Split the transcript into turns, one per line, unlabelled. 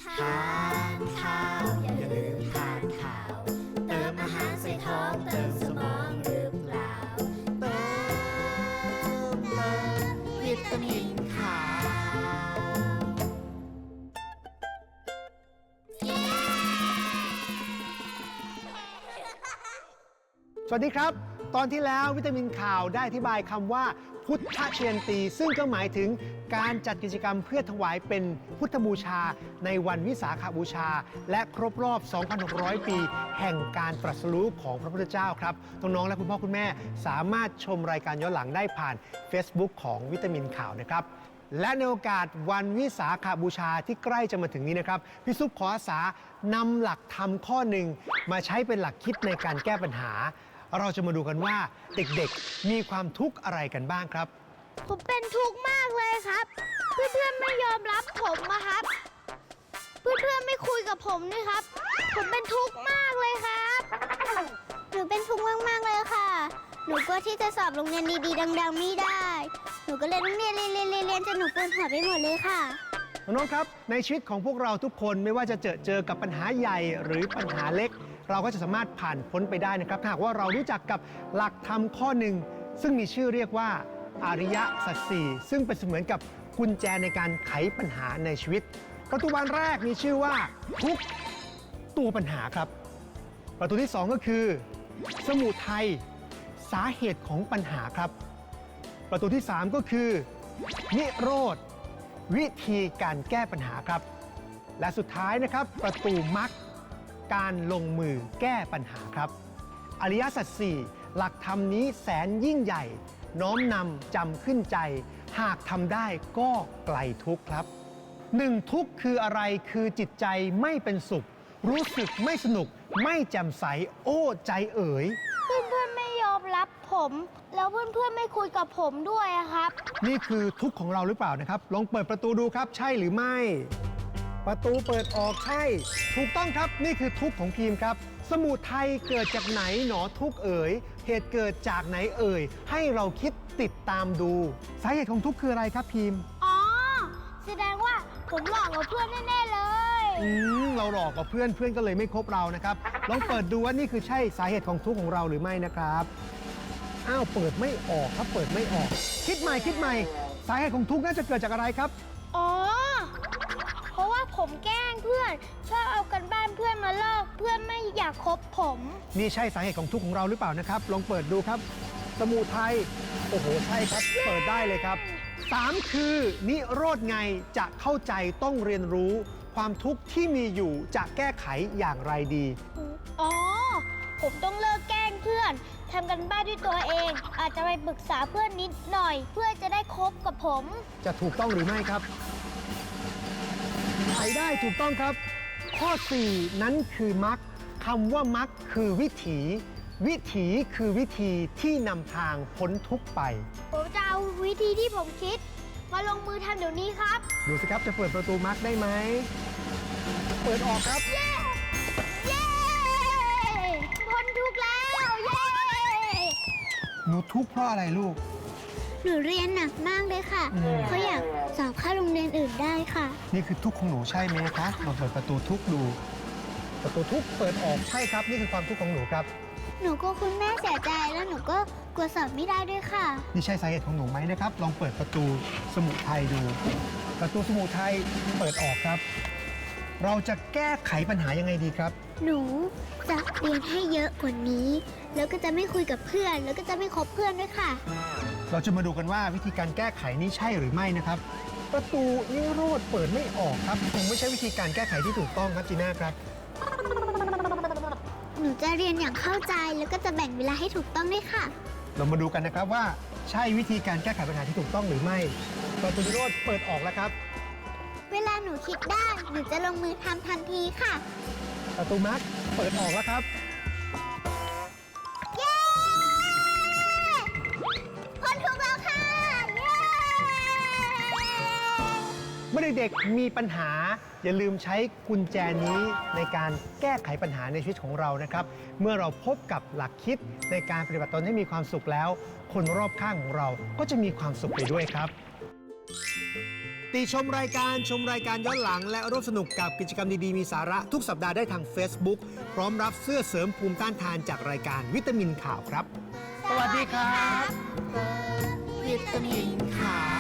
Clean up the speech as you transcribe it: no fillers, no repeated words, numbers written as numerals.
ทานข้าวอย่าลืมทานข้าวเติมอาหารใส่ท้องเติมสมองหรือเปล่าเติมวิตามินขาว
สวัสดีครับตอนที่แล้ววิตามินข่าวได้อธิบายคำว่าพุทธเชียนตีซึ่งก็หมายถึงการจัดกิจกรรมเพื่อถวายเป็นพุทธบูชาในวันวิสาขบูชาและครบรอบ 2,600 ปีแห่งการตรัสรู้ของพระพุทธเจ้าครับน้องๆและคุณพ่อคุณแม่สามารถชมรายการย้อนหลังได้ผ่าน Facebook ของวิตามินข่าวนะครับและในโอกาสวันวิสาขบูชาที่ใกล้จะมาถึงนี้นะครับพี่ซุปขออาสานำหลักธรรมข้อหนึ่งมาใช้เป็นหลักคิดในการแก้ปัญหาเราจะมาดูกันว่าเด็กๆมีความทุกข์อะไรกันบ้างครับ
ผมเป็นทุกข์มากเลยครับเพื่อนๆไม่ยอมรับผมนะครับเพื่อนๆไม่คุยกับผมนี่ครับผมเป็นทุกข์มากเลยครับหนูเป็นทุกข์มากๆเลยค่ะหนูก็ที่จะสอบโรงเรียนดีๆดังๆไม่ได้หนูก็เลยต้องเรียนจนหนูปวดหัวไปหมดเลยค่ะ
น้องๆครับในชีวิตของพวกเราทุกคนไม่ว่าจะเจอกับปัญหาใหญ่หรือปัญหาเล็กเราก็จะสามารถผ่านพ้นไปได้นะครับถ้าหากว่าเรารู้จักกับหลักธรรมข้อหนึ่งซึ่งมีชื่อเรียกว่าอริยสัจสี่ซึ่งเป็นเสมือนกับกุญแจในการไขปัญหาในชีวิตประตูบานแรกมีชื่อว่าทุกตัวปัญหาครับประตูที่2ก็คือสมุทัยสาเหตุของปัญหาครับประตูที่3ก็คือนิโรธวิธีการแก้ปัญหาครับและสุดท้ายนะครับประตูมรรคการลงมือแก้ปัญหาครับอริยสัจสี่หลักธรรมนี้แสนยิ่งใหญ่น้อมนำจำขึ้นใจหากทำได้ก็ไกลทุกข์ครับ1ทุกข์คืออะไรคือจิตใจไม่เป็นสุขรู้สึกไม่สนุกไม่แจ่มใสโอ้ใจเอ๋ย
เพื่อนๆไม่ยอมรับผมแล้วเพื่อนๆไม่คุยกับผมด้วยครับ
นี่คือทุกข์ของเราหรือเปล่านะครับลองเปิดประตูดูครับใช่หรือไม่ประตูเปิดออกใช่ถูกต้องครับนี่คือทุกข์ของพีมครับสมุทัยเกิดจากไหนหนอทุกข์เอ๋ยเหตุเกิดจากไหนเอ่ยให้เราคิดติดตามดูสาเหตุของทุกข์คืออะไรครับพีม
อ๋อแสดงว่าผมหลอกกับเพื่อนแน่ๆเลย
เราหลอกกับเพื่อนก็เลยไม่คบเรานะครับลองเปิดดูว่านี่คือใช่สาเหตุของทุกข์ของเราหรือไม่นะครับอ้าวเปิดไม่ออกครับเปิดไม่ออกคิดใหม่สาเหตุของทุกข์น่าจะเกิดจากอะไรครับ
อ๋อเพราะว่าผมแกล้งเพื่อนชอบเอากันบ้านเพื่อนมาลอกเพื่อนไม่อยากคบผม
นี่ใช่สาเหตุของทุกข์ของเราหรือเปล่านะครับลองเปิดดูครับสมุทัยโอ้โหใช่ครับเปิดได้เลยครับ3คือนิโรธไงจะเข้าใจต้องเรียนรู้ความทุกข์ที่มีอยู่จะแก้ไขอย่างไรดี
อ๋อผมต้องเลิกแกล้งเพื่อนทำกันบ้านด้วยตัวเองอาจจะไปปรึกษาเพื่อนนิดหน่อยเพื่อจะได้คบกับผม
จะถูกต้องหรือไม่ครับใช้ได้ถูกต้องครับข้อ4นั้นคือมรรคคำว่ามรรคคือวิถีคือวิธีที่นำทางพ้นทุกข์ไป
ผมจะเอาวิธีที่ผมคิดมาลงมือทำเดี๋ยวนี้ครับ
ดูสิครับจะเปิดประตูมรรคได้ไหมเปิดออกครับ
เย้พ้นทุกข์แล้วเย้
หนูทุกข์เพราะอะไรลูก
หนูเรียนหนักมากเลยค่ะเขาอยากสอบเข้าโรงเรียนอื่นได้ค่ะ
นี่คือทุกข์ของหนูใช่ไหมคะลองเปิดประตูทุกข์ดูประตูทุกข์เปิดออกใช่ครับนี่คือความทุกข์ของหนูครับ
หนูก็คุณแม่เสียใจแล้วหนูก็กลัวสอบไม่ได้ด้วยค่ะ
นี่ใช่สาเหตุของหนูไหมนะครับลองเปิดประตูสมุทัยดูประตูสมุทัยเปิดออกครับเราจะแก้ไขปัญหายังไงดีครับ
หนูจะเรียนให้เยอะกว่านี้แล้วก็จะไม่คุยกับเพื่อนแล้วก็จะไม่คบเพื่อนด้วยค่ะ
เราจะมาดูกันว่าวิธีการแก้ไขนี้ใช่หรือไม่นะครับประตูนิโรธเปิดไม่ออกครับคงไม่ใช่วิธีการแก้ไขที่ถูกต้องครับจีน่าครับ
หนูจะเรียนอย่างเข้าใจแล้วก็จะแบ่งเวลาให้ถูกต้องด้วยค่ะ
เรามาดูกันนะครับว่าใช่วิธีการแก้ไขปัญหาที่ถูกต้องหรือไม่ประตูนิโรธเปิดออกแล้วครับ
เวลาหนูคิดได้หนูจะลงมือทำทันทีค่ะ
ประตูมรรคเปิดออกแล้วครับ
เย้พ้นทุกข์แล้วค่ะเย้
เมื่อเด็กๆมีปัญหาอย่าลืมใช้กุญแจนี้ในการแก้ไขปัญหาในชีวิตของเรานะครับเมื่อเราพบกับหลักคิดในการปฏิบัติตนให้มีความสุขแล้วคนรอบข้างของเราก็จะมีความสุขไปด้วยครับติชมรายการย้อนหลังและร่วมสนุกกับกิจกรรมดีๆมีสาระทุกสัปดาห์ได้ทาง Facebook พร้อมรับเสื้อเสริมภูมิต้านทานจากรายการวิตามินข่าวครับ สวัสดีครับ
วิตามินข่าว